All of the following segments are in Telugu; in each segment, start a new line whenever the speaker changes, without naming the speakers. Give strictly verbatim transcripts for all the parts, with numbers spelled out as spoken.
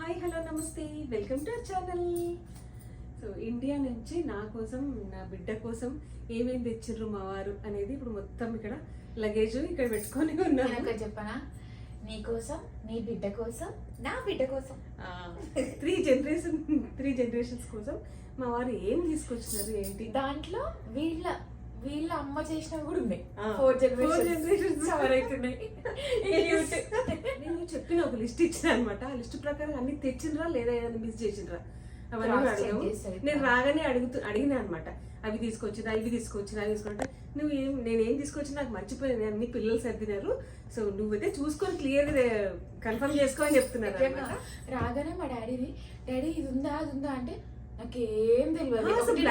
హాయ్ హలో నమస్తే welcome to our channel. So India నుంచి నా కోసం నా బిడ్డ కోసం ఏమేమి తెచ్చిర్రు మా వారు అనేది ఇప్పుడు మొత్తం ఇక్కడ లగేజ్ ఇక్కడ పెట్టుకొని ఉన్నాను.
చెప్పనా, నీ కోసం, నీ బిడ్డ కోసం, నా బిడ్డ కోసం,
త్రీ జనరేషన్ త్రీ జనరేషన్స్ కోసం మా వారు ఏం తీసుకొచ్చినారు ఏంటి.
దాంట్లో వీళ్ళ వీళ్ళ అమ్మ చేసినవి కూడా ఉన్నాయి.
ఫోర్ జనరేషన్స్ నేను చెప్పిన ఒక లిస్ట్ ఇచ్చిన అనమాట. ఆ లిస్ట్ ప్రకారం అన్ని తెచ్చిండ్రా లేదా ఏదైనా మిస్ చేసిండ్రా అవన్నీ అడిగాము. నేను రాగానే అడుగుతూ అడిగినా అనమాట, అవి తీసుకొచ్చినా ఇవి తీసుకొచ్చినా అవి తీసుకుంటే నువ్వు ఏం నేను ఏం తీసుకొచ్చినా నాకు మర్చిపోయాను, అన్ని పిల్లలు సర్దినారు, సో నువ్వైతే చూసుకొని క్లియర్ కన్ఫర్మ్ చేసుకో అని చెప్తున్నారు.
రాగానే మా డాడీని, డాడీ ఇది ఉందా అది ఉందా అంటే నాకేం తెలియదు,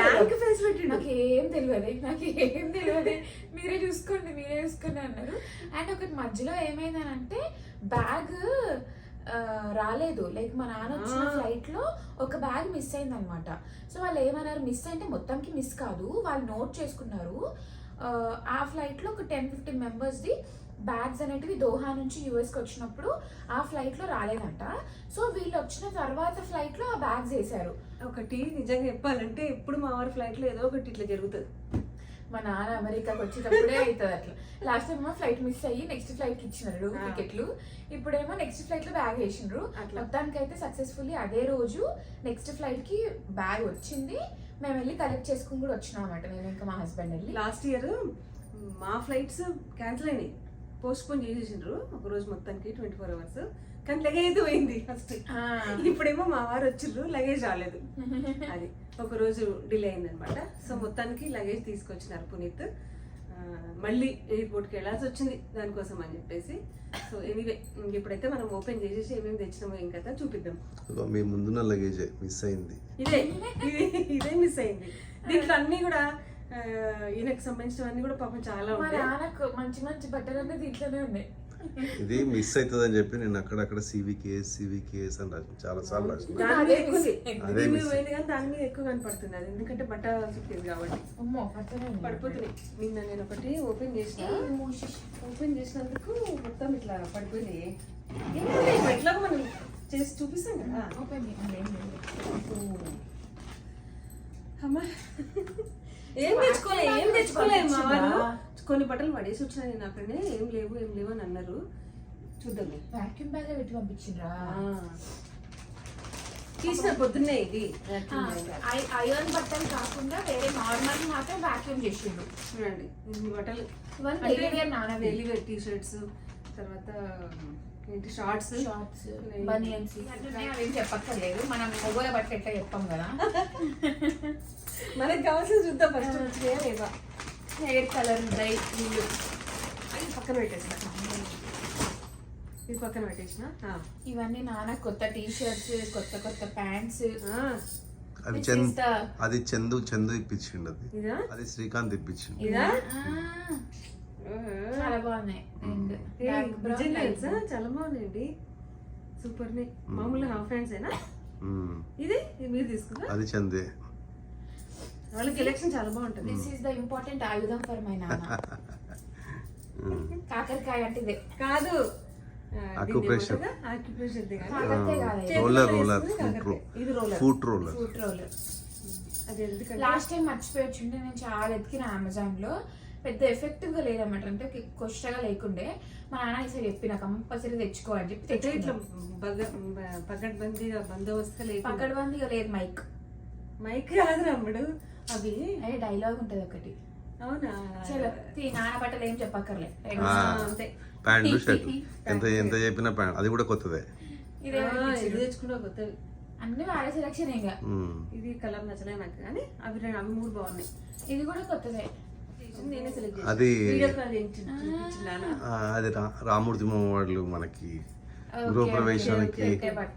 నాకేం తెలియదు నాకేం తెలియదు మీరే చూసుకోండి మీరే చూసుకోండి అన్నారు. అండ్ ఒకటి మధ్యలో ఏమైందనంటే బ్యాగ్ రాలేదు, లైక్ మా నాన్న వచ్చిన ఫ్లైట్ లో ఒక బ్యాగ్ మిస్ అయింది అనమాట. సో వాళ్ళు ఏమన్నారు, మిస్ అంటే మొత్తంకి మిస్ కాదు, వాళ్ళు నోట్ చేసుకున్నారు. ఆ ఫ్లైట్ లో ఒక ten fifteen members the bags అనేటివి దోహా నుంచి యూఎస్కి వచ్చినప్పుడు ఆ ఫ్లైట్ లో రాలేదంట. సో వీళ్ళు వచ్చిన తర్వాత ఫ్లైట్ లో ఆ బ్యాగ్స్ వేసారు.
ఒకటి నిజంగా చెప్పాలంటే ఎప్పుడు మా వారి ఫ్లైట్ లో ఏదో ఒకటి ఇట్లా జరుగుతుంది.
మా నాన్న అమెరికాకి వచ్చేటప్పుడే అవుతుంది అట్లా. లాస్ట్ టైం ఫ్లైట్ మిస్ అయ్యి నెక్స్ట్ ఫ్లైట్ కి ఇచ్చినారు టికెట్లు, ఇప్పుడేమో నెక్స్ట్ ఫ్లైట్ లో బ్యాగ్ వేసిండ్రు. మొత్తానికి అయితే సక్సెస్ఫుల్లీ అదే రోజు నెక్స్ట్ ఫ్లైట్ కి బ్యాగ్ వచ్చింది. మేము వెళ్ళి కలెక్ట్ చేసుకుని కూడా వచ్చినాం అనమాట, నేను ఇంకా మా హస్బెండ్ వెళ్ళి.
లాస్ట్ ఇయర్ మా ఫ్లైట్స్ క్యాన్సిల్ అయినాయి, పోస్ట్ పోన్ చేసేసిండ్రు ఒక రోజు మొత్తానికి ట్వంటీ ఫోర్ అవర్స్, కానీ లగేజ్ పోయింది ఫస్ట్. ఇప్పుడేమో మా వారు వచ్చిండ్రు, లగేజ్ రాలేదు, అది ఒక రోజు డిలే అయింది అనమాట. సో మొత్తానికి లగేజ్ తీసుకొచ్చినారు పునీత్. మళ్ళీ ఎయిర్పోర్ట్కి వెళ్ళాల్సి వచ్చింది దానికోసం అని చెప్పేసి. సో ఎనీవే ఇప్పుడైతే మనం ఓపెన్ చేసేసి ఏమేమి తెచ్చినామో ఇంకా చూపిద్దాం.
మీ ముందున్న లగేజ్ మిస్ అయింది,
ఇదే ఇదే మిస్ అయింది. దీంట్లో అన్ని కూడా ఈయనకు సంబంధించినవన్నీ కూడా పాపం చాలా ఉన్నాయి.
మంచి మంచి బట్టలన్నీ దీంట్లోనే ఉన్నాయి.
ఇది మిస్ అవుతుంది అని చెప్పి నేను అక్కడక్కడ సివికేఎస్ సివికేఎస్ అని రాసి చాలా సార్లు రాసిన.
దాని మీద పోయింది కానీ దాని మీద ఎక్కువ కనపడుతుంది అది, ఎందుకంటే బట్ట చుట్టేది కాబట్టి పడిపోతుంది. నిన్న నేను ఒకటి ఓపెన్ చేసిన, ఓపెన్ చేసినందుకు మొత్తం ఇట్లా పడిపోయినాయి. ఎట్లా మనం చేసి చూపిస్తాం కదా. అమ్మా ఏం తెచ్చుకోలే ఏం తెచ్చుకోలే మా వారు. కొన్ని బట్టలు పడేసి వచ్చినా నేను అక్కడనే, ఏం లేవు ఏం లేవు అని అన్నారు. చూద్దాం.
వాక్యూమ్ బ్యాగ్ పెట్టి పంపించిండ్రా
తీసిన పొద్దున్నే. ఇది
ఐరన్ బట్టలు కాకుండా వేరే నార్మల్ మాత్రం వాక్యూమ్ చేసిండ్రు.
చూడండి ఇన్ని బట్టలు,
డైలీ
వేర్ టీ షర్ట్స్, తర్వాత ఏంటి షార్ట్స్
షార్ట్స్ బనియన్స్ అవేం చెప్పక్కర్లేదు, మనం మొగోల బట్టలు ఎట్లా చెప్పాం కదా.
మనకి కావాల్సింది చూద్దాం ఫస్ట్. వచ్చినాయా లేవా.
హెయిర్ కలర్ డ్రై వీళ్ళు
అది పక్కన పెట్టేసిన, ఇది పక్కన పెట్టేసిన.
ఇవన్నీ నాన్న కొత్త టీ షర్ట్స్, కొత్త కొత్త ప్యాంట్స్.
అది చంద్ అది చందు చందు ఇప్పించిండు, అది అది శ్రీకాంత్ ఇప్పించిండు.
ఇదా
చాలా బాగున్నాయి,
చాలా బాగున్నాయండి, సూపర్ నే. మామూలుగా హాఫ్ హ్యాండ్స్ ఏనా ఇది? మీరు తీసుకున్నా?
అది చందే,
వాళ్ళ కలెక్షన్ చాలా బాగుంటుంది.
దిస్ ఈస్ ద ఇంపార్టెంట్ ఆయుధం ఫర్ మై నాన్న. కాకరకాయ అంటే ఇదే కాదు,
acupressure
roller
roller foot roller
foot roller. Last time మర్చిపోయి వచ్చింటే నేను చాలా ఎతికిన అమెజాన్ లో, పెద్ద ఎఫెక్టివ్ గా లేదన్నమాట, అంటే కొష్టగా లేకుండే. మా నాన్న ఈసారి చెప్పిన కంపల్సరీ తెచ్చుకోవాలని చెప్పి తెచ్చు.
ఇట్లా పకడ్బందీగా బందోబస్తు లేదు,
పకడ్బందీగా లేదు. మైక్
మైక్ కాదు రమ్ముడు, అవి
అదే డైలాగ్ ఉంటది ఒకటి.
అవునా?
చలో నాన్న బట్టలు ఏం చెప్పక్కర్లే,
అంతే.
ప్యాంటు షర్ట్ ఎంత ఎంత చెప్పినా ప్యాంట్ అది కూడా కొత్తదే.
ఇది తెచ్చుకుంటా కొత్తవి
అన్ని వాడే సెలక్షన్. ఇంకా
ఇది కలర్ నచ్చలే నాకు, కానీ అవి అవి మూడు బాగున్నాయి.
ఇది కూడా కొత్తదే,
నేనే సెలెక్ట్ చేసి
అది
చూపించిన.
అది రామూర్తి వాళ్ళు మనకి గృహప్రవేశానికి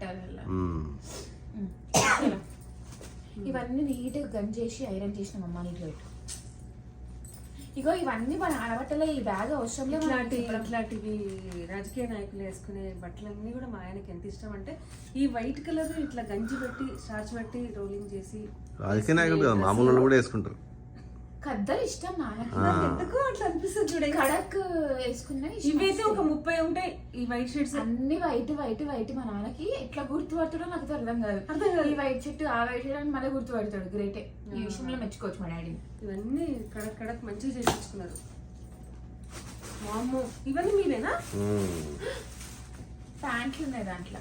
ఇవన్నీ నీట్గా గన్ చేసి ఐరన్ చేసిన అమ్మ నీట్ గా. ఇగో ఇవన్నీ మన ఆడబట్టలే, ఈ బ్యాగ్ అవసరం లేదు.
ఇట్లాంటి ఇట్లాంటివి రాజకీయ నాయకులు వేసుకునే బట్టలన్నీ కూడా మా ఆయనకి ఎంత ఇష్టం అంటే, ఈ వైట్ కలర్ ఇట్లా గంజి పెట్టి స్టార్చ్ పెట్టి రోలింగ్ చేసి.
రాజకీయ నాయకులు కదా, మామూలు కూడా వేసుకుంటారు.
కద్దరు ఇష్టం నాన్నకి.
నాకు ఎందుకు అట్లా అనిపిస్తుంది చూడండి.
కడక్ వేసుకున్నా
ఇవైతే ఒక ముప్పై ఉంటాయి ఈ వైట్ షర్ట్స్
అన్ని వైట్ వైట్ వైట్. మా నాన్నకి ఎట్లా గుర్తుపడతాడో నాకు అర్థం కాదు.
అర్థం కాదు
ఈ వైట్ షర్ట్ ఆ వైట్ షర్ట్ అని మళ్ళీ గుర్తుపడతాడు. గ్రేటే. ఈ విషయంలో మెచ్చుకోవచ్చు మా డాడీని.
ఇవన్నీ కడక్ కడక్ మంచిగా చేయించుకున్నారు. వామ్మో ఇవన్నీ మీరేనా?
ప్యాంట్లు ఉన్నాయి దాంట్లో.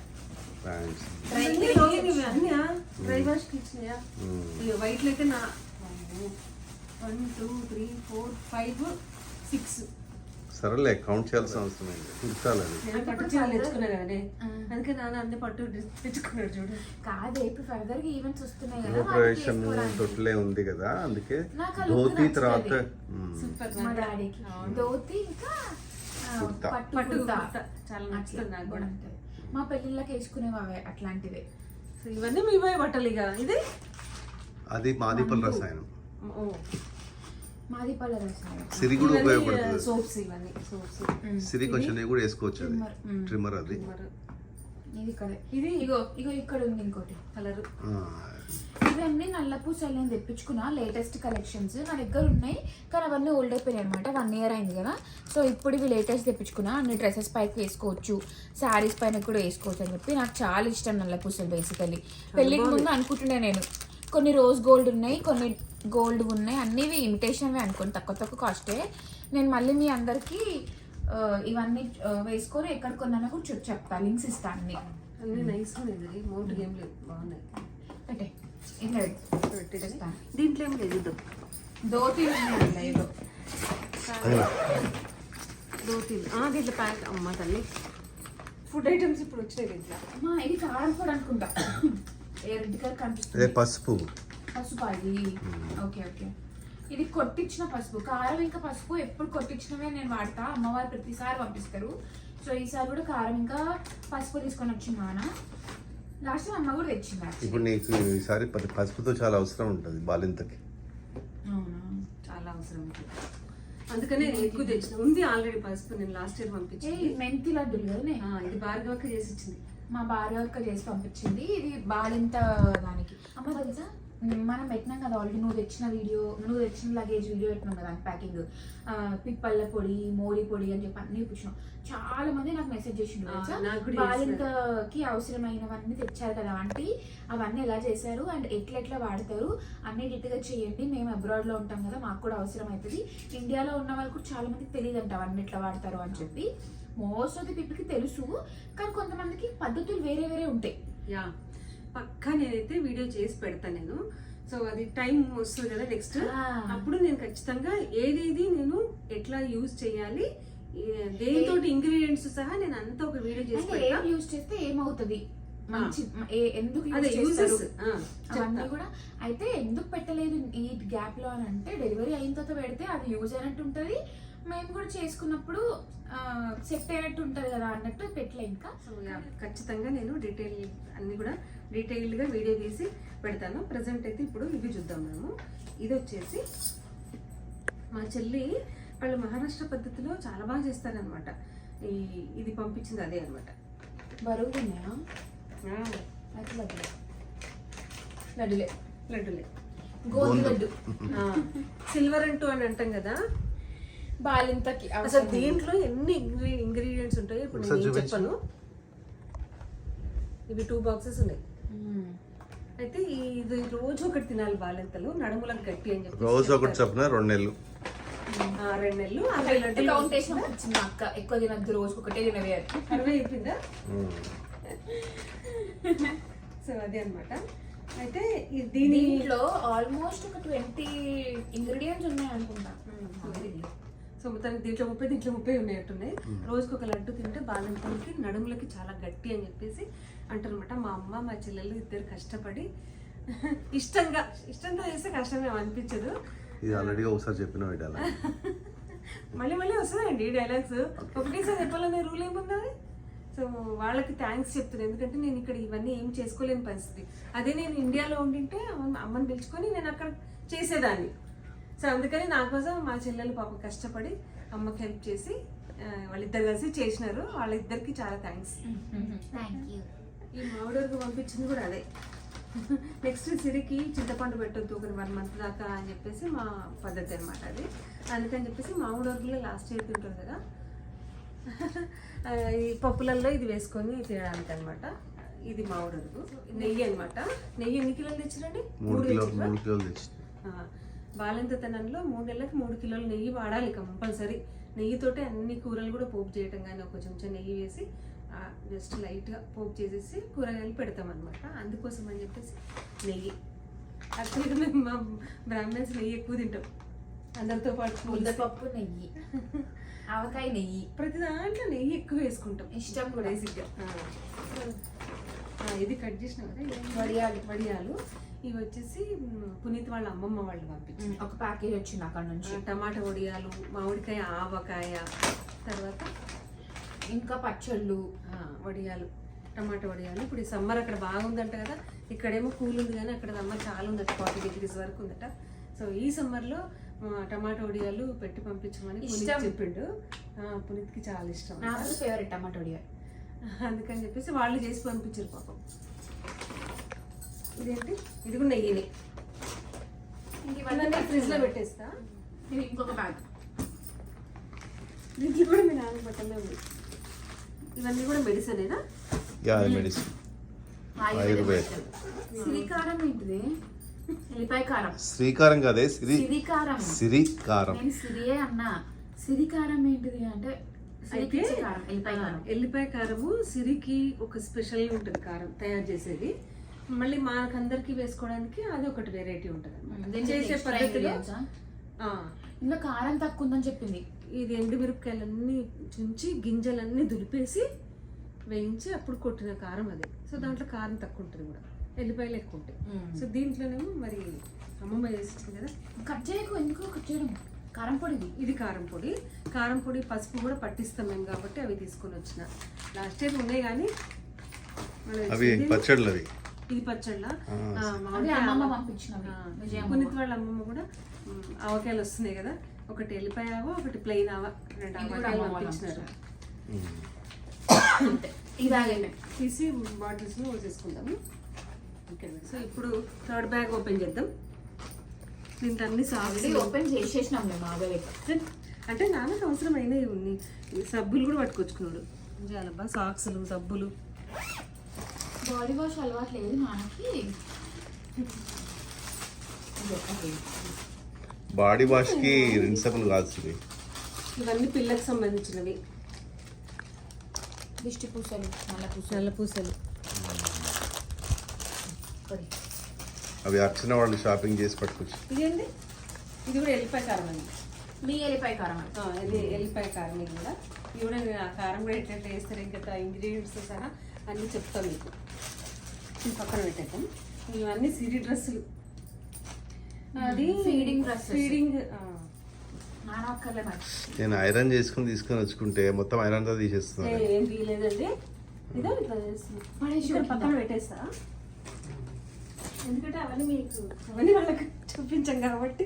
డ్రై వాష్ కి ఇచ్చినాయా? వైట్ అయితే నా one two three four five six.
సరేలే కౌంట్ చేయాల్సిన అవసరం ఏంటి, కుర్తాలని.
నేను పట్టు చీరలు తెచ్చుకున్నా కదనే, అందుకే నాన్న అన్ని పట్టు తెచ్చుకున్నాడు చూడు.
కాదే ఇప్పుడు ఫర్దర్ గా ఈవెంట్స్ వస్తున్నాయి కదా,
గృహప్రవేశం తొట్లే ఉంది కదా, అందుకే ధోతి తర్వాత
మా డాడీకి ధోతి ఇంకా పట్టు
పట్టు
కుర్తా
చాలా నచ్చుతుంది నాకు కూడా.
మా పెళ్ళిళ్ళకి వేసుకునేవి అవే అట్లాంటివే.
సో ఇవన్నీ మీ పోయి బట్టలు ఇక. ఇది
అది మాదిపల్ రసాయనం,
మాది పళ్ళ రసాయనం.
సిరి కూడా ఉపయోగపడుతుంది.
సోప్స్ ఇవన్నీ సోప్స్.
సిరి కొంచెం కూడా వేసుకోవచ్చు. అది ట్రిమ్మర్. అది
ఇది ఇక్కడ
ఇది
ఇగో ఇగో ఇక్కడ ఉంది ఇంకోటి
కలర్.
ఇవన్నీ నల్ల పూసలు నేను తెప్పించుకున్నా, లేటెస్ట్ కలెక్షన్స్ నా దగ్గర ఉన్నాయి. కానీ అవన్నీ ఓల్డ్ అయిపోయినాయి అనమాట, వన్ ఇయర్ అయింది కదా. సో ఇప్పుడు ఇవి లేటెస్ట్ తెప్పించుకున్నా. అన్ని డ్రెస్సెస్ పైకి వేసుకోవచ్చు, శారీస్ పైన కూడా వేసుకోవచ్చు అని చెప్పి. నాకు చాలా ఇష్టం నల్ల పూసలు. బేసికలీ పెళ్ళికి ముందు అనుకుంటున్నా నేను, కొన్ని రోజ్ గోల్డ్ ఉన్నాయి, కొన్ని గోల్డ్ ఉన్నాయి, అన్నీ ఇమిటేషన్వే అనుకోండి, తక్కువ తక్కువ కాస్టే. నేను మళ్ళీ మీ అందరికీ ఇవన్నీ వేసుకొని ఎక్కడ కొన్నా కూడా చెప్పు చెప్తా, లింక్స్ ఇస్తా. అన్ని
అన్ని నైస్ ఉన్నాయి, మోటు ఏం లేదు, బాగున్నాయి.
అంటే ఇట్లా పెట్టేస్తా.
దీంట్లో ఏం లేదు,
ధోతి ఏదో
ధోతి దీంట్లో ప్యాక్. అమ్మ తల్లి ఫుడ్ ఐటమ్స్ ఇప్పుడు వచ్చినాయి దీంట్లో.
అమ్మా ఇది కారం కూడా అనుకుంటా, రెడ్ కలర్ కనిపిస్తుంది.
పసుపు
పసుపు అది. ఓకే ఓకే ఇది కొట్టించిన పసుపు. కారం ఇంకా పసుపు ఎప్పుడు కొట్టించినవే నేను వాడతా, అమ్మవారు ప్రతిసారి పంపిస్తారు. సో ఈసారి కూడా కారం ఇంకా పసుపు తీసుకొని వచ్చింది నాన్న. లాస్ట్ అమ్మ కూడా తెచ్చింది.
ఇప్పుడు నీకు ఈసారి పసుపుతో చాలా అవసరం ఉంటుంది బాలింతకి.
అవునా,
చాలా అవసరం ఉంటుంది, అందుకనే నేను ఎక్కువ తెచ్చిన. ఉంది ఆల్రెడీ పసుపు, నేను లాస్ట్ ఇయర్ పంపించింది.
మెంతి లడ్డులు కదా,
ఇది భార్గవక్క చేసి ఇచ్చింది.
మా భార్గవక్క చేసి పంపించింది. ఇది బాలింత దానికి. అమ్మ తెలుసా మనం పెట్టినాం కదా ఆల్రెడీ, నువ్వు తెచ్చిన వీడియో, నువ్వు తెచ్చిన లగేజ్ వీడియో పెట్టినాం కదా ప్యాకింగ్. పిప్పళ్ళ పొడి, మోరి పొడి అని చెప్పి అన్ని ఇప్పించాం. చాలా మంది నాకు మెసేజ్ చేసిండు తెలుసా, బాలింతకి అవసరమైనవన్నీ తెచ్చారు కదా ఆంటీ, అవన్నీ ఎలా చేశారు అండ్ ఎట్లా ఎట్లా వాడతారు అన్ని డిట్గా చేయండి, మేము అబ్రాడ్ లో ఉంటాం కదా, మాకు కూడా అవసరం అవుతుంది. ఇండియాలో ఉన్న వాళ్ళు కూడా చాలా మందికి తెలియదు అంట అవన్నీ ఎట్లా వాడతారు అని చెప్పి. మోస్ట్ ఆఫ్ ది పీపుల్కి తెలుసు, కానీ కొంతమందికి పద్ధతులు వేరే వేరే ఉంటాయి.
యా పక్కా నేనైతే వీడియో చేసి పెడతాను నేను. సో అది టైం వస్తుంది కదా నెక్స్ట్, అప్పుడు నేను ఖచ్చితంగా ఏదేది నేను ఎట్లా యూజ్ చేయాలి, దేనితో ఇంగ్రీడియంట్స్ సహా నేను అంతా ఒక వీడియో చేసి పెడతాను.
యూజ్ చేస్తే ఏమవుతుంది, మంచి ఎందుకు అవన్నీ కూడా. అయితే ఎందుకు పెట్టలేదు ఈ గ్యాప్ లో అని అంటే, డెలివరీ అయిన తర్వాత పెడితే అది యూజ్ అయినట్టు ఉంటుంది, మేము కూడా చేసుకున్నప్పుడు సెట్ అయినట్టు ఉంటుంది కదా అన్నట్టు పెట్టలే ఇంకా.
సో ఖచ్చితంగా నేను డీటెయిల్ అన్ని కూడా డీటెయిల్డ్గా వీడియో తీసి పెడతాను. ప్రజెంట్ అయితే ఇప్పుడు ఇవి చూద్దాం మనము. ఇది వచ్చేసి మా చెల్లి వాళ్ళు మహారాష్ట్ర పద్ధతిలో చాలా బాగా చేస్తారనమాట. ఈ ఇది పంపించింది అదే అనమాట.
బరువు ఉన్నాయా? లడ్డులే
లడ్డులే
గోధుమ లడ్డు,
సిల్వర్ అంటూ అని అంటాం కదా
బాలింతకి.
అసలు దీంట్లో ఎన్ని ఇంగ్రీడియంట్స్ ఉంటాయో ఇప్పుడు నేను చెప్పను. ఇవి టూ బాక్సెస్ ఉన్నాయి. అయితే ఇది రోజు ఒకటి తినాలి బాలింతలు, నడుములకు గట్టి అని చెప్పి.
రోజు ఒకటి చెప్పిన రెండు నెలలు
రెండు నెలలు
కౌంటేషన్ వచ్చింది అక్క. ఎక్కువ తినద్దు, రోజు ఒకటే తినవే.
అరవై అయిపోయిందా? సో అదే అనమాట. అయితే
దీనిలో ఆల్మోస్ట్ ఒక ట్వంటీ ఇంగ్రీడియంట్స్ ఉన్నాయి అనుకుంటా.
సో మొత్తానికి దీంట్లో ముప్పై దీంట్లో ముప్పై ఉన్నట్టున్నాయి. రోజుకి ఒక లడ్డు తింటే బాలింతలకి నడుములకి చాలా గట్టి అని చెప్పేసి అంటారనమాట. మా అమ్మ మా చెల్లెలు ఇద్దరు కష్టపడి ఇష్టంగా ఇష్టంగా చేస్తే కష్టమే అనిపించదు.
ఇది ఆల్రెడీ ఒకసారి చెప్పిన
మళ్ళీ మళ్ళీ వస్తుందండి ఈ డైలాగ్స్. ఒకటేసారి చెప్పాలనే రూల్ ఏముంది. సో వాళ్ళకి థ్యాంక్స్ చెప్తున్నాను, ఎందుకంటే నేను ఇక్కడ ఇవన్నీ ఏం చేసుకోలేని పరిస్థితి. అదే నేను ఇండియాలో ఉండింటే అమ్మని పిలుచుకొని నేను అక్కడ చేసేదాన్ని. సో అందుకని నా కోసం మా చెల్లెలు పాప కష్టపడి అమ్మకి హెల్ప్ చేసి వాళ్ళిద్దరు కలిసి చేసినారు. వాళ్ళిద్దరికి చాలా థ్యాంక్స్. ఈ మామిడి వరకు పంపించింది కూడా అదే. నెక్స్ట్ సిరికి చింతపండు పెట్టొద్దు ఒక వన్ మంత్ దాకా అని చెప్పేసి మా పద్ధతి అనమాట అది. అందుకని చెప్పేసి మామూలు వరకులో లాస్ట్ ఇయర్ తింటుంది కదా, ఆ, ఈ పప్పులలో ఇది వేసుకొని తినడానికి అనమాట. ఇది మామిడి వరకు నెయ్యి అనమాట. నెయ్యి ఎన్ని కిలోలు తెచ్చిరండి?
మూడు కిలో మూడు కిలోలు తెచ్చి
బాలింతతనంలో మూడు నెలలకు మూడు కిలోలు నెయ్యి వాడాలి కంపల్సరీ. నెయ్యితోటి అన్ని కూరలు కూడా పోపు చేయటం కానీ ఒక చెంచా నెయ్యి వేసి జస్ట్ లైట్గా పోపు చేసేసి కూరగాయలు పెడతాం అనమాట. అందుకోసం అని చెప్పేసి నెయ్యి. యాక్చువల్గా మేము మా బ్రాహ్మణ్స్ నెయ్యి ఎక్కువ తింటాం అందరితో పాటు.
ముద్దపప్పు నెయ్యి, ఆవకాయ నెయ్యి,
ప్రతి దాంట్లో నెయ్యి ఎక్కువ వేసుకుంటాం,
ఇష్టం కూడా.
బేసిక్గా ఇది కట్ చేసినాం కదా,
వడియాలు.
వడియాలు ఇవి వచ్చేసి మ్, పునీత్ వాళ్ళ అమ్మమ్మ వాళ్ళు పంపించారు.
ఒక ప్యాకేజ్ వచ్చింది అక్కడ నుంచి.
టమాటా వడియాలు, మామిడికాయ ఆవకాయ, తర్వాత
ఇంకా పచ్చళ్ళు,
ఆ, వడియాలు, టమాటా వడియాలు. ఇప్పుడు ఈ సమ్మర్ అక్కడ బాగుందంట కదా, ఇక్కడేమో కూల్ ఉంది కానీ అక్కడ సమ్మర్ చాలా ఉందట, ఫార్టీ డిగ్రీస్ వరకు ఉందట. సో ఈ సమ్మర్లో టమాటా వడియాలు పెట్టి పంపించమని పునీత్
ఇష్టం.
చెప్పిండు. ఆ, పునీత్కి చాలా ఇష్టం
నాకు ఫేవరెట్ టమాటో వడియాలు.
అందుకని చెప్పేసి వాళ్ళు చేసి పంపించారు పాపం. ఇదేంటి, ఇది కూడా నెయ్యిని ఫ్రిడ్జ్ లో పెట్టేస్తా.
ఇది ఇంకొక బ్యాగ్.
దీంట్లో కూడా మీ నాన్న బట్టలే ఉంది. ఇవన్నీ కూడా మెడిసినేనా?
Yeah medicine Ayurveda.
సిరికారం ఏంటిది? ఎల్లిపాయ కారం.
శ్రీకారం కదే సిరి
సిరికారం.
సిరికారం.
నేను సిరియే అన్నా. సిరికారం ఏంటిది అంటే
అయితే
సిరికి కారం, ఎల్లిపాయ కారం.
ఎల్లిపాయ కారము సిరికి ఒక స్పెషల్ ఉంటుంది కారం తయారు చేసేది. మళ్ళీ మనకందరికి వేసుకోవడానికి అది ఒకటి వెరైటీ ఉంటుంది అనమాట చేసే పద్ధతిలో. ఆ,
ఇంకా కారం తక్కువ ఉందని చెప్పింది.
ఇది ఎండుమిరపకాయలన్నీ చుంచి గింజలన్నీ దులిపేసి వేయించి అప్పుడు కొట్టిన కారం అది. సో దాంట్లో కారం తక్కువ ఉంటుంది కూడా, ఎల్లిపాయలు ఎక్కువ ఉంటాయి. సో దీంట్లోనేమో మరి అమ్మమ్మ చేసింది కదా.
కట్ చేయకు, ఎందుకు కట్ చేయడం? కారం పొడిది.
ఇది కారం పొడి. కారం పొడి పసుపు కూడా పట్టిస్తాం మేము కాబట్టి అవి తీసుకొని వచ్చిన. లాస్ట్ ఇయర్ ఉన్నాయి కానీ
అవి పచ్చళ్ళు అవి.
ఇది పచ్చళ్ళ.
అవి అమ్మమ్మ పంపించినవి. విజయమ్మ.
పునీత్ వాళ్ళ అమ్మమ్మ కూడా మ్, ఆవకాయలు వస్తున్నాయి కదా, ఒకటి ఎల్లిపాయ ఆవ, ఒకటి ప్లెయిన్ ఆవ, రెండు
ఇది కూడా
ఆవకాయలు
అమ్మ వాళ్ళు
పంపించినారు.
అంతే. ఇది ఆగండి.
తీసి బాటిల్స్ లో పోసేసుకుందాము. ఓకే, సో ఇప్పుడు థర్డ్ బ్యాగ్ ఓపెన్ చేద్దాం. దీంట్లో అన్ని సాక్స్
ఆల్రెడీ ఓపెన్ చేసేసినాం మేము ఆగలేక.
అంటే నాన్నకు అవసరం అయినవి ఉన్నాయి. ఈ సబ్బులు కూడా పట్టుకొచ్చుకున్నాడు. చాలా సాక్స్లు, సబ్బులు.
బాడీ వాష్ అలవాటు లేదు నాన్నకి.
బాడీ వాష్ కి రిన్సబుల్ కాదు సిరి.
ఇవన్నీ పిల్లలకు సంబంధించినవి.
దిష్టి పూసలు, నల్ల పూసలు.
నల్ల పూసలు.
అవి అర్చన వాళ్ళు షాపింగ్ చేసి పట్టుకొచ్చి.
ఇదేంటి, ఇది కూడా ఎల్లిపాయ కారం అండి.
మీ ఎల్లిపాయ కారం అది.
ఆ, ఇది ఎల్లిపాయ కారం. ఇది కూడా ఇది కూడా నేను ఆ కారం కూడా ఎట్లా వేస్తారు ఇంకా ఇంగ్రీడియంట్స్ సహా అన్నీ చెప్తాను మీకు. ఇది పక్కన పెట్టేద్దాం. ఇవన్నీ సిరి డ్రెస్సులు. అది
ఫీడింగ్ డ్రెస్సెస్.
ఫీడింగ్.
నాన్న ఒక్కర్లే మరి.
నేను ఐరన్ చేసుకుని తీసుకొని వచ్చుకుంటే మొత్తం ఐరన్ తో తీసేస్తున్నాను.
ఏం తీయలేదండి. ఇదో ఇట్లా చేస్తుంది.
పడేసి
ఇక్కడ పక్కన పెట్టేస్తా, ఎందుకంటే అవన్నీ మీకు అవన్నీ వాళ్ళకి చూపించాం కాబట్టి.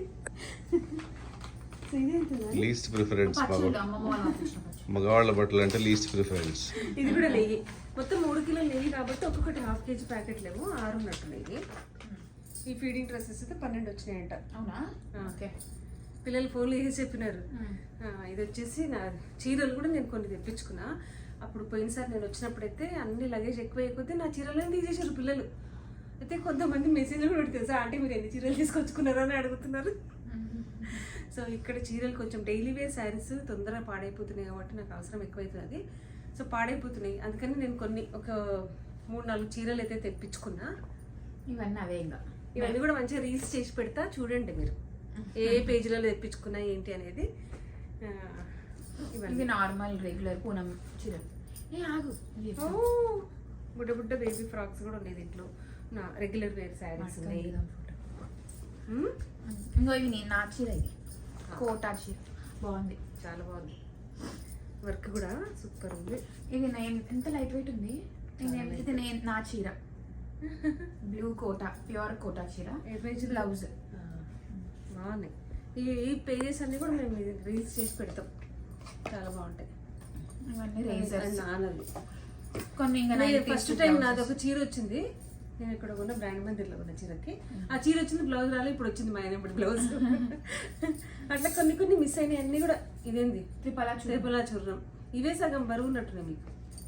సో ఇదేంటి,
లీస్ట్ ప్రిఫరెన్స్
పచ్చళ్ళు అమ్మమ్మ వాళ్ళు పంపించిన పచ్చళ్ళు.
మగవాళ్ళ బట్టలు అంటే లీస్ట్ ప్రిఫరెన్స్.
ఇది కూడా నెయ్యి. మొత్తం మూడు కిలోలు నెయ్యి కాబట్టి ఒక్కొక్కటి హాఫ్ కేజీ ప్యాకెట్లేమో ఆరు ఉన్నట్టు నెయ్యి. ఈ ఫీడింగ్ డ్రెస్సెస్ అయితే పన్నెండు వచ్చినాయంట.
అవునా? ఓకే.
పిల్లలు ఫోన్లు చేసి చెప్పినారు. ఆ, ఇది వచ్చేసి నా చీరలు కూడా నేను కొన్ని తెప్పించుకున్నా. అప్పుడు పోయినసారి నేను వచ్చినప్పుడైతే అన్ని లగేజ్ ఎక్కువ అయిపోతే నా చీరలను తీసేసారు పిల్లలు. అయితే కొంతమంది మెసేజ్లు కూడా తెలుసా, అంటే మీరు ఎన్ని చీరలు తీసుకొచ్చుకున్నారో అని అడుగుతున్నారు. సో ఇక్కడ చీరలు కొంచెం డైలీ వేర్ శారీస్ తొందరగా పాడైపోతున్నాయి కాబట్టి నాకు అవసరం ఎక్కువైతుంది. సో పాడైపోతున్నాయి, అందుకని నేను కొన్ని ఒక మూడు నాలుగు చీరలు అయితే తెప్పించుకున్నా.
ఇవన్నీ అవే ఇంకా.
ఇవన్నీ కూడా మంచిగా రీల్స్ చేసి పెడతా, చూడండి మీరు ఏ పేజీలలో తెప్పించుకున్నా ఏంటి అనేది. ఆ,
ఇవి నార్మల్ రెగ్యులర్ పూనం చీరలు. ఏ ఆగు, ఇవి
ఓ, బుడ్డ బుడ్డ బేబీ ఫ్రాక్స్ కూడా ఉన్నాయి దీంట్లో. నా రెగ్యులర్ వేర్ శారీస్ ఉన్నాయి. ఉమ్,
ఇంకో ఇవి నేను నా చీర, ఇది కోటా చీర బాగుంది,
చాలా బాగుంది. వర్క్ కూడా సూపర్ ఉంది.
ఇది నేను ఎంత లైట్ వెయిట్ ఉంది. నేను ఇది నేను నా చీర బ్లూ కోటా, ప్యూర్ కోటా చీర,
ఏ పేజ్
బ్లౌజ్
బాగున్నాయి. ఈ ఈ పేజెస్ అన్ని కూడా మేము రీల్స్ చేసి పెడతాం, చాలా బాగుంటాయి.
ఇవన్నీ రేజర్స్
నాన్నది
కొన్ని ఇంకా
ఫస్ట్ టైం నాది ఒక చీర వచ్చింది. నేను ఇక్కడ కొన్న బ్రాండ్ మందిర్లో ఉన్న చీరకి ఆ చీర వచ్చింది, బ్లౌజ్ రాలేదు, ఇప్పుడు వచ్చింది మా ఆయన బ్లౌజ్. అట్లా కొన్ని కొన్ని మిస్ అయినాయి అన్ని కూడా. ఇదేంది
త్రిపలా
త్రిపలా చూర్రం, ఇవే సగం బరువు ఉన్నట్టున్నాయి మీకు.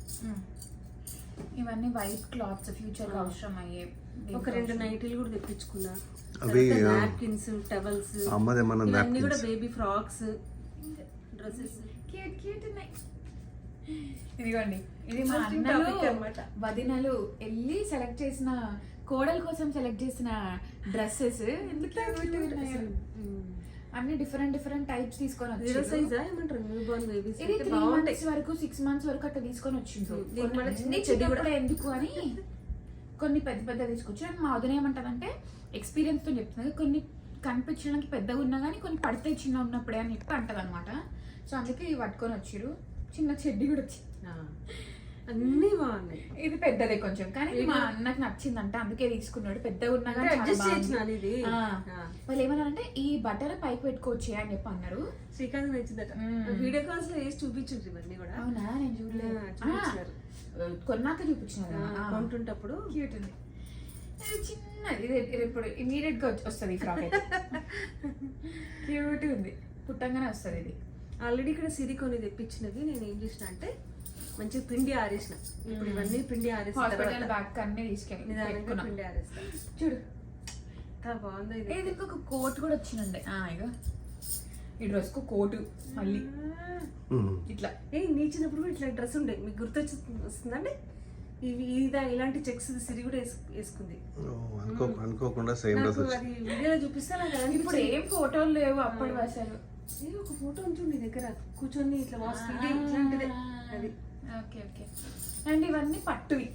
ఇవన్నీ వైట్ క్లాత్స్ ఫ్యూచర్ అవసరం అయ్యే.
ఒక రెండు నైటీలు కూడా తెప్పించుకున్నా,
అవి
నాప్కిన్స్, టవల్స్, అన్ని కూడా baby frocks, dresses
cute cute ఉన్నాయి. ఇదిగోండి, ఇది మా అన్నలు వదినలు వెళ్ళి సెలెక్ట్ చేసిన, కోడల కోసం సెలెక్ట్ చేసిన డ్రెస్సెస్. అన్ని డిఫరెంట్ డిఫరెంట్ టైప్స్ తీసుకొని ఇది త్రీ మంత్స్ వరకు సిక్స్ మంత్స్ వరకు అట్లా తీసుకొని వచ్చిండ్రు. చిన్నప్పుడు ఎందుకు అని కొన్ని పెద్ద పెద్ద తీసుకొచ్చి, మా వదిన ఏమంటదంటే ఎక్స్పీరియన్స్ తో చెప్తున్నది, కొన్ని కనిపించడానికి పెద్దగా ఉన్నా కానీ కొన్ని పడితే చిన్న ఉన్నప్పుడే అని చెప్పి అంటది అనమాట. సో అందుకే ఇవి పట్టుకొని వచ్చిరు. చిన్న చెడ్డి కూడా వచ్చి
అన్ని బాగున్నాయి.
ఇది పెద్దదే కొంచెం, కానీ మా అన్నకు నచ్చిందంట అందుకే తీసుకున్నాడు. పెద్దగా ఉన్నా కానీ వాళ్ళు ఏమన్నారంటే ఈ బట్టలు పైకి పెట్టుకోవచ్చు అని చెప్పి అన్నారు.
శ్రీకాంత్ నచ్చిందట, వీడియో కాల్స్ లో వేసి చూపించుండ్రు ఇవన్నీ కూడా.
అవునా, నేను చూడలేదు, కొన్నాక చూపించినారు
కొంటుంటప్పుడు.
క్యూట్ ఉంది, చిన్నది. ఇది ఇప్పుడు ఇమీడియట్ గా వస్తుంది ఫ్రాక్ అయితే. క్యూట్ ఉంది, పుట్టంగానే వస్తుంది ఇది.
ఆల్రెడీ ఇక్కడ సిరి కొన్ని తెప్పించినవి నేను ఏం చేసిన అంటే మంచిగా పిండి ఆరేసిన. ఇప్పుడు ఇవన్నీ పిండి ఆరేసిన
బ్యాగ్ అన్నీ తీసుకెళ్ళి
నిదానంగా పిండి ఆరేస్తా.
చూడు
బాగుంది.
ఇది ఒక కోట్ కూడా వచ్చినండి. ఇక ఈ డ్రెస్ కు కోటు మళ్ళీ ఇట్లా.
ఏ నీ చిన్నప్పుడు కూడా ఇట్లా డ్రెస్ ఉండే, మీకు గుర్తొచ్చి వస్తుందండి. ఇవి ఇదా ఇలాంటి చెక్స్ సిరి కూడా వేసుకుంది
అనుకోకుండా.
వీడియోలో చూపిస్తా.
ఇప్పుడు ఏం ఫోటోలు లేవు అప్పటి అసలు.
ఒక ఫోటో ఉంచుండి దగ్గర కూర్చొని ఇట్లా వాస్ ఇట్లాంటిదే అది.
Okay okay. అండ్ ఇవన్నీ పట్టువి,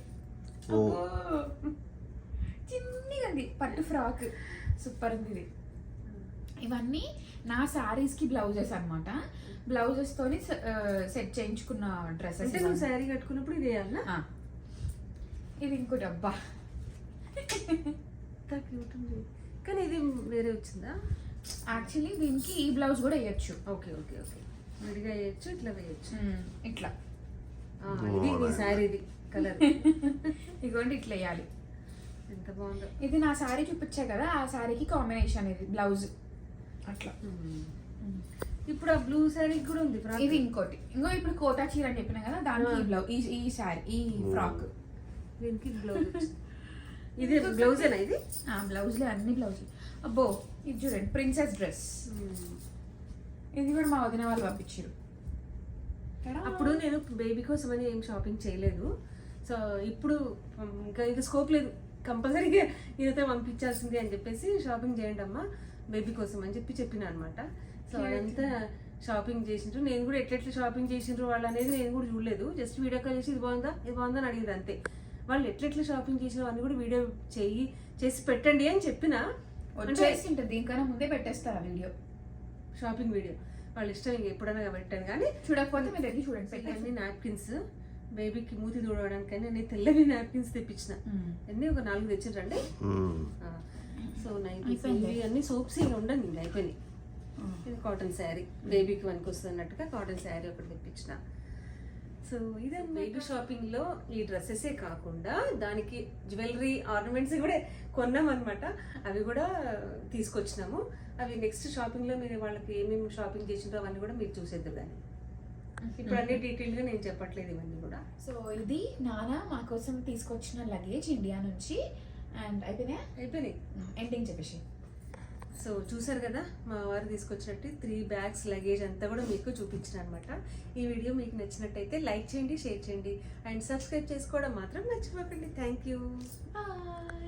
చిన్నగా పట్టు ఫ్రాక్, సూపర్ ఉంది ఇది. ఇవన్నీ నా శారీస్ కి బ్లౌజెస్ అనమాట. బ్లౌజెస్ తోని సెట్ చేయించుకున్న డ్రెస్సెస్.
నువ్వు శారీ కట్టుకున్నప్పుడు ఇది వేయాలా?
ఇది ఇంకోటి. అబ్బా
కానీ ఇది వేరే వచ్చిందా?
యాక్చువల్లీ దీనికి ఈ బ్లౌజ్ కూడా వేయచ్చు.
ఓకే ఓకే ఓకే, విడిగా వేయచ్చు, ఇట్లా వేయచ్చు.
ఇట్లా
ఇది ఈ శారీది కలర్.
ఇదిగోండి ఇట్లా వేయాలి.
ఎంత బాగుందో.
ఇది నా శారీ చూపించా కదా, ఆ శారీకి కాంబినేషన్ ఇది బ్లౌజ్ అట్లా.
ఇప్పుడు ఆ బ్లూ శారీ కూడా ఉంది.
ఇది ఇంకోటి. ఇంకో ఇప్పుడు కోటా చీర అని చెప్పినా కదా, దానికి బ్లౌజ్, ఈ శారీ, ఈ ఫ్రాక్,
దీనికి బ్లౌజ్. ఇది బ్లౌజేనా? ఇది
బ్లౌజ్లే, అన్ని బ్లౌజ్. అబ్బో ఇది చూడండి, ప్రిన్సెస్ డ్రెస్. ఇది కూడా మా వదిన వాళ్ళు పంపించారు.
అప్పుడు నేను బేబీ కోసం అని ఏం షాపింగ్ చేయలేదు. సో ఇప్పుడు ఇంకా ఇది స్కోప్ లేదు, కంపల్సరీగా ఇదైతే పంపించాల్సింది అని చెప్పేసి షాపింగ్ చేయండి అమ్మా బేబీ కోసం అని చెప్పి చెప్పిన అనమాట. సో అదంతా షాపింగ్ చేసిండ్రు. నేను కూడా ఎట్లెట్లా షాపింగ్ చేసిండ్రు వాళ్ళు అనేది నేను కూడా చూడలేదు. జస్ట్ వీడియో కాల్ చేసి ఇది బాగుందా ఇది బాగుందా అని అడిగింది అంతే. వాళ్ళు ఎట్లెట్లా షాపింగ్ చేసిన అన్ని కూడా వీడియో చెయ్యి చేసి పెట్టండి అని చెప్పిన.
దీనికన్నా ముందే పెట్టేస్తారు వీడియో,
షాపింగ్ వీడియో. వాళ్ళ ఇష్టం, ఇంక ఎప్పుడైనా పెట్టాను. కానీ
చూడకపోతే మీరు దగ్గర చూడండి.
అన్ని నాప్కిన్స్ బేబీకి మూతి దూడవడానికి అని నేను తెల్లవి నాప్కిన్స్ తెప్పించిన. అన్నీ ఒక నాలుగు తెచ్చిండ్రండి. సో నైట్ అన్ని సోప్స్ ఇంకా ఉండండి, ఇంకా అయిపోయినాయి. ఇది కాటన్ శారీ, బేబీకి వనికి వస్తున్నట్టుగా కాటన్ శారీ ఒకటి తెప్పించిన. సో ఇదే బేబీ షాపింగ్ లో ఈ డ్రెస్సెసే కాకుండా దానికి జ్యువెలరీ ఆర్నమెంట్స్ కూడా కొన్నాం అనమాట. అవి కూడా తీసుకొచ్చినాము. అవి నెక్స్ట్ షాపింగ్ లో మీరు వాళ్ళకి ఏమేమి షాపింగ్ చేసిండ్రో అవన్నీ కూడా మీరు చూసేద్దరు. కానీ ఇప్పుడు అన్ని డీటెయిల్ గా నేను చెప్పట్లేదు ఇవన్నీ కూడా.
సో ఇది నాన్న మా కోసం తీసుకొచ్చిన లగేజ్ ఇండియా నుంచి. అండ్ అయిపోయినాయా?
అయిపోయినాయి.
ఎండింగ్ చెప్పేసి.
సో చూసారు కదా మా వారు తీసుకొచ్చినట్టు త్రీ బ్యాగ్స్ లగేజ్ అంతా కూడా మీకు చూపించిన అనమాట. ఈ వీడియో మీకు నచ్చినట్టయితే లైక్ చేయండి, షేర్ చేయండి అండ్ సబ్స్క్రైబ్ చేసుకోవడం మాత్రం మర్చిపోకండి. Thank you.
బాయ్.